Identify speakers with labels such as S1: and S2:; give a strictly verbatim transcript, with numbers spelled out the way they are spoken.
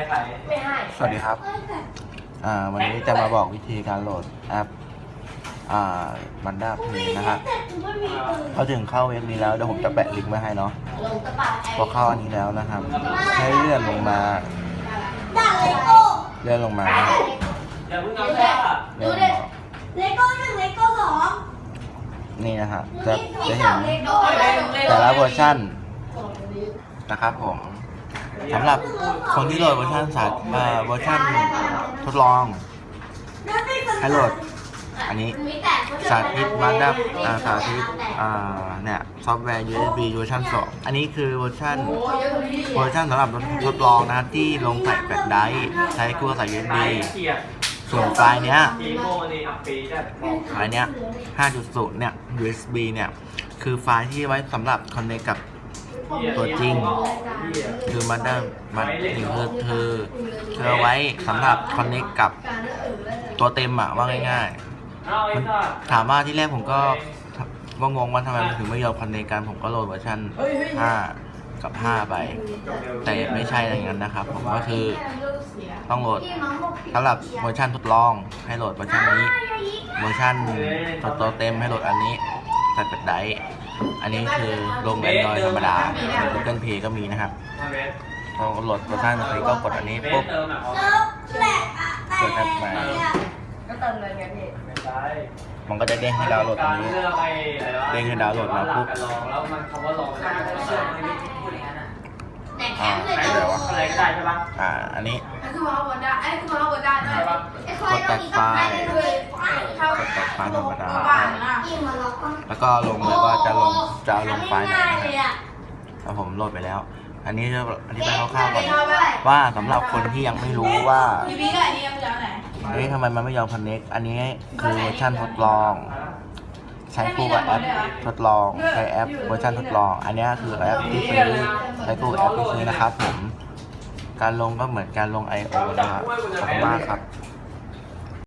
S1: ใครไม่ให้สวัสดีครับอ่าวันนี้จะมาบอกวิธีการโหลดแอปอ่ามันด้าเพย์นะครับพอถึงเข้าเว็บนี้แล้วเดี๋ยวผมจะแปะลิงก์ไว้ให้เนาะพอเข้าอันนี้แล้วนะครับให้เลื่อนลงมาเลื่อนลงมาเลื่อนลงมา
S2: เลโก้หนึ่งเลโก้สอง
S1: นี่นะฮะจะจะเห็นแต่ละเวอร์ชันนะครับผมสำหรับคนที่โหลดเวอร์ชันสาเวอร์ชันทดลองให้โหลดอันนี้สาธิตมาดับสาธิตเนี่ยซอฟต์แวร์ ยู เอส บี เวอร์ชันสองอันนี้คือเวอร์ชันเวอร์ชันสำหรับทดลองนะครับที่ลงใส่แฟลชไดรฟ์ใช้คู่กับสาย ยู เอส บี ส่วนไฟล์เนี้ยไฟล์เนี้ย ห้าจุดศูนย์ เนี่ย ยู เอส บี เนี่ยคือไฟล์ที่ไว้สำหรับ connect กับตัวจริงคือมันได้มันคือคือคือไว้สำหรับ connect กับตัวเต็มอะว่าง่ายๆมันถามว่าที่แรกผมก็ว่างงว่าทำไมมันถึงไม่ยอม connect กันผมก็โหลดเวอร์ชันห้ากับห้าไปแต่ไม่ใช่อะไรอย่างนั้นนะครับผมก็คือต้องโหลดสำหรับเวอร์ชันทดลองให้โหลดเวอร์ชันนี้เวอร์ชันตัวเต็มให้โหลดอันนี้ใส่แฟลชไดรฟ์อันนี้คือลง Android ธรรมดาใน Google Play ก็มีนะครับพอโหลดเวอร์ชันนี้ก็กดอันนี้ปุ๊บกดแอปมา
S2: ก็เติมเงินไงพี่
S1: มันก็จะเด้งให้ดาวน์โหลดตรงนี้เด้งให้ดาวน์โหลดมาปุ๊บอ่าอะไรวะอะไรก็ได้ใช่ปะอ่าอันนี้
S2: คือมาบนได้ไอ้คือมาบนได้ใช่ปะ
S1: กดตัดไฟล์กดตัดไฟล์ธรรมดาแล้วก็ลงเลยว่าจะลงจะลงไฟล์ไหนนะครับผมโหลดไปแล้วอันนี้จะอธิบายคร่าวๆก่อนว่าสำหรับคนที่ยังไม่รู้ว่าเอ๊ะทำไมมันไม่ยอม connect อันนี้คือเวอร์ชันทดลองใช้คู่กับแอปทดลองใช้แอปเวอร์ชันทดลองอันนี้คือแอปที่ซื้อใช้คู่กับแอปที่ซื้อนะครับผมการลงก็เหมือนการลง ไอ โอ นะครับขอบคุณมากครับ